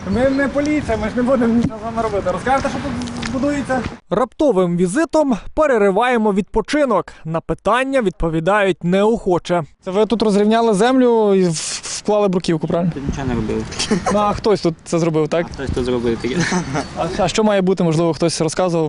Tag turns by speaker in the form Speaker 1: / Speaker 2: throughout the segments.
Speaker 1: Ми не поліція, ми ж не будемо нічого з вами робити. Розкажете, що тут будується? Раптовим візитом перериваємо відпочинок. На питання відповідають неохоче. Це ви тут розрівняли землю і вклали бруківку, правильно?
Speaker 2: Тут нічого не робили.
Speaker 1: А хтось тут це зробив, так?
Speaker 2: Хтось тут зробив таке.
Speaker 1: А що має бути, можливо, хтось розказував?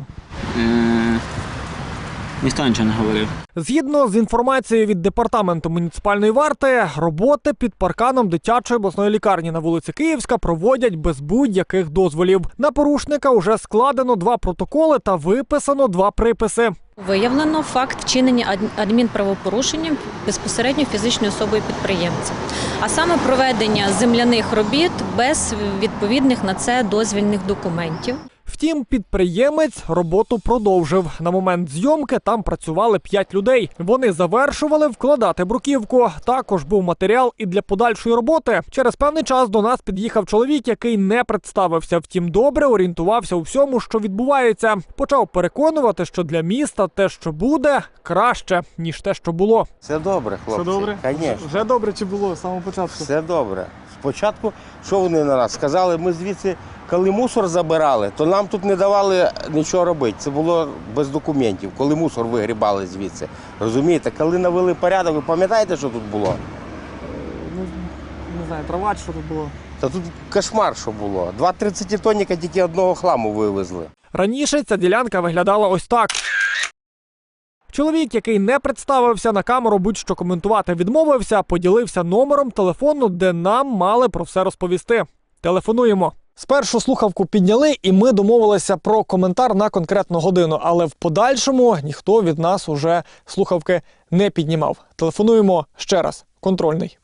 Speaker 2: Ніхто нічого не говорив.
Speaker 1: Згідно з інформацією від департаменту муніципальної варти, роботи під парканом дитячої обласної лікарні на вулиці Київська проводять без будь-яких дозволів. На порушника вже складено 2 протоколи та виписано 2 приписи.
Speaker 3: Виявлено факт вчинення адмінправопорушення безпосередньо фізичною особою підприємця, а саме проведення земляних робіт без відповідних на це дозвільних документів.
Speaker 1: Втім, підприємець роботу продовжив. На момент зйомки там працювали 5 людей. Вони завершували вкладати бруківку. Також був матеріал і для подальшої роботи. Через певний час до нас під'їхав чоловік, який не представився. Втім, добре орієнтувався у всьому, що відбувається. Почав переконувати, що для міста те, що буде, краще, ніж те, що було.
Speaker 4: Все добре, хлопці.
Speaker 1: Все добре?
Speaker 4: Звісно.
Speaker 1: Вже добре чи було з самого початку?
Speaker 4: Все добре. Спочатку, що вони на нас сказали, ми звідси, коли мусор забирали, то нам тут не давали нічого робити. Це було без документів, коли мусор вигрібали звідси. Розумієте, коли навели порядок, ви пам'ятаєте, що тут було?
Speaker 1: Ну, не знаю, трава чи що тут було?
Speaker 4: Та тут кошмар, що було. 2 30-тонника тільки одного хламу вивезли.
Speaker 1: Раніше ця ділянка виглядала ось так. Чоловік, який не представився на камеру, будь-що коментувати відмовився, поділився номером телефону, де нам мали про все розповісти. Телефонуємо. Спершу слухавку підняли, і ми домовилися про коментар на конкретну годину, але в подальшому ніхто від нас уже слухавки не піднімав. Телефонуємо ще раз. Контрольний.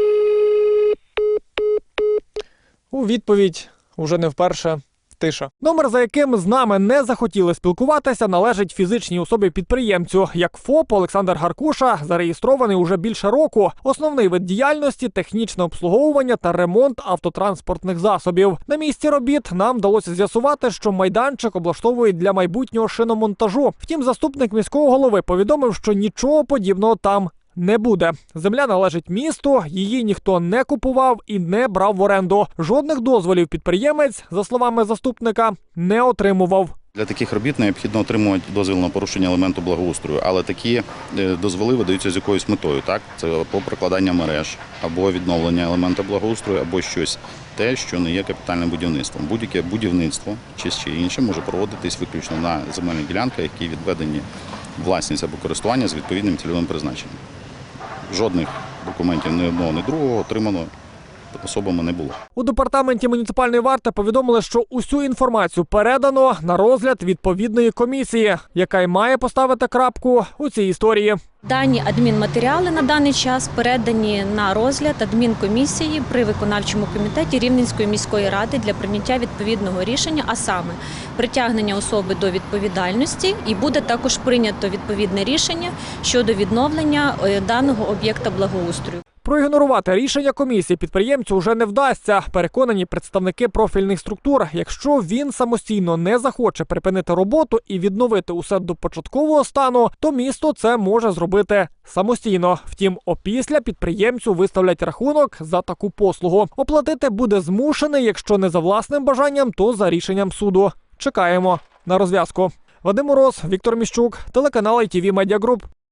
Speaker 1: У відповідь уже не вперше тиша. Номер, за яким з нами не захотіли спілкуватися, належить фізичній особі-підприємцю. Як ФОП Олександр Гаркуша зареєстрований уже більше року. Основний вид діяльності – технічне обслуговування та ремонт автотранспортних засобів. На місці робіт нам вдалося з'ясувати, що майданчик облаштовують для майбутнього шиномонтажу. Втім, заступник міського голови повідомив, що нічого подібного там не буде. Земля належить місту, її ніхто не купував і не брав в оренду. Жодних дозволів підприємець, за словами заступника, не отримував.
Speaker 5: Для таких робіт необхідно отримувати дозвіл на порушення елементу благоустрою, але такі дозволи видаються з якоюсь метою. Так? Це або прокладання мереж, або відновлення елемента благоустрою, або щось те, що не є капітальним будівництвом. Будь-яке будівництво чи ще інше може проводитись виключно на земельних ділянках, які відведені власність або користування з відповідним цільовим призначенням. Жодних документів ні одного, ні другого отримано особами не було.
Speaker 1: У департаменті муніципальної варти повідомили, що усю інформацію передано на розгляд відповідної комісії, яка й має поставити крапку у цій історії.
Speaker 3: Дані адмінматеріали на даний час передані на розгляд адмінкомісії при виконавчому комітеті Рівненської міської ради для прийняття відповідного рішення, а саме притягнення особи до відповідальності, і буде також прийнято відповідне рішення щодо відновлення даного об'єкта благоустрою.
Speaker 1: Проігнорувати рішення комісії підприємцю вже не вдасться, переконані представники профільних структур. Якщо він самостійно не захоче припинити роботу і відновити усе до початкового стану, то місто це може зробити самостійно. Втім, опісля підприємцю виставлять рахунок за таку послугу. Оплатити буде змушений, якщо не за власним бажанням, то за рішенням суду. Чекаємо на розв'язку. Вадим Мороз, Віктор Міщук, телеканал ITV Media Group.